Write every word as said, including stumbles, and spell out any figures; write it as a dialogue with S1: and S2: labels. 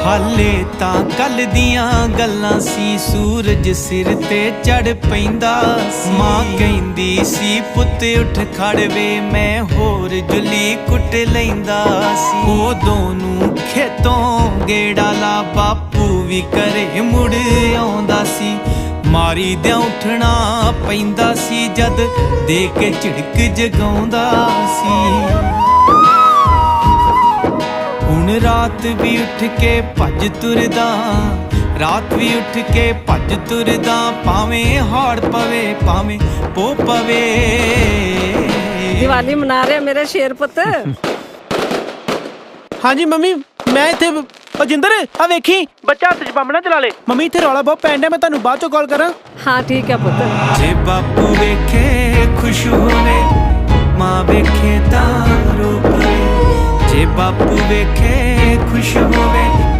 S1: ਹਾਲੇ ਤਾਂ ਕੱਲ ਦੀਆਂ ਗੱਲਾਂ ਸੀ, ਸੂਰਜ ਸਿਰ ਤੇ ਚੜ ਪੈਂਦਾ ਸੀ। ਮਾਂ ਕਹਿੰਦੀ ਸੀ ਪੁੱਤ ਉੱਠ ਖੜ ਵੇ, ਮੈਂ ਹੋਰ ਜੁਲੀ ਕੁੱਟ ਲੈਂਦਾ ਸੀ। ਉਦੋਂ ਨੂੰ ਖੇਤੋਂ ਗੇੜਾ ਲਾ ਬਾਪੂ ਵੀ ਘਰੇ ਮੁੜ ਆਉਂਦਾ ਸੀ। ਮਾਰੀ ਦਿਆਂ ਉੱਠਣਾ ਪੈਂਦਾ ਸੀ, ਜਦ ਦੇ ਕੇ ਝਿੜਕ ਜਗਾਉਂਦਾ ਸੀ। ਹੁਣ ਰਾਤ ਵੀ ਉੱਠ ਕੇ ਭੱਜ ਤੁਰਦਾ, ਰਾਤ ਵੀ ਉੱਠ ਕੇ ਭੱਜ ਤੁਰਦਾ, ਭਾਵੇਂ ਹਾੜ ਪਵੇ ਭਾਵੇਂ ਪੋ ਪਵੇ।
S2: ਦੀਵਾਲੀ ਮਨਾ ਰਹੇ ਮੇਰੇ ਸ਼ੇਰ ਪੁੱਤ।
S3: ਹਾਂਜੀ ਮੰਮੀ, ਮੈਂ ਇੱਥੇ ਅਜਿੰਦਰ ਆ ਵੇਖੀ ਬੱਚਾ ਹੱਥ 'ਚ ਬੰਬ ਨਾ ਚਲਾ ਲੇ। ਮੰਮੀ ਇੱਥੇ ਰੌਲਾ ਬਹੁਤ ਪੈਣ ਡਿਆ, ਮੈਂ ਤੁਹਾਨੂੰ ਬਾਅਦ ਚੋਂ ਕਾਲ ਕਰਾਂ।
S2: ਹਾਂ ਠੀਕ ਹੈ ਪੁੱਤ।
S1: ਜੇ ਬਾਪੂ ਵੇਖੇ ਖੁਸ਼ ਹੋਵੇ, ਮਾਂ ਵੇਖੇ ਤਾਂ ਰੋ ਪਵੇ। ਜੇ ਬਾਪੂ ਵੇਖੇ ਖੁਸ਼ ਹੋਵੇ,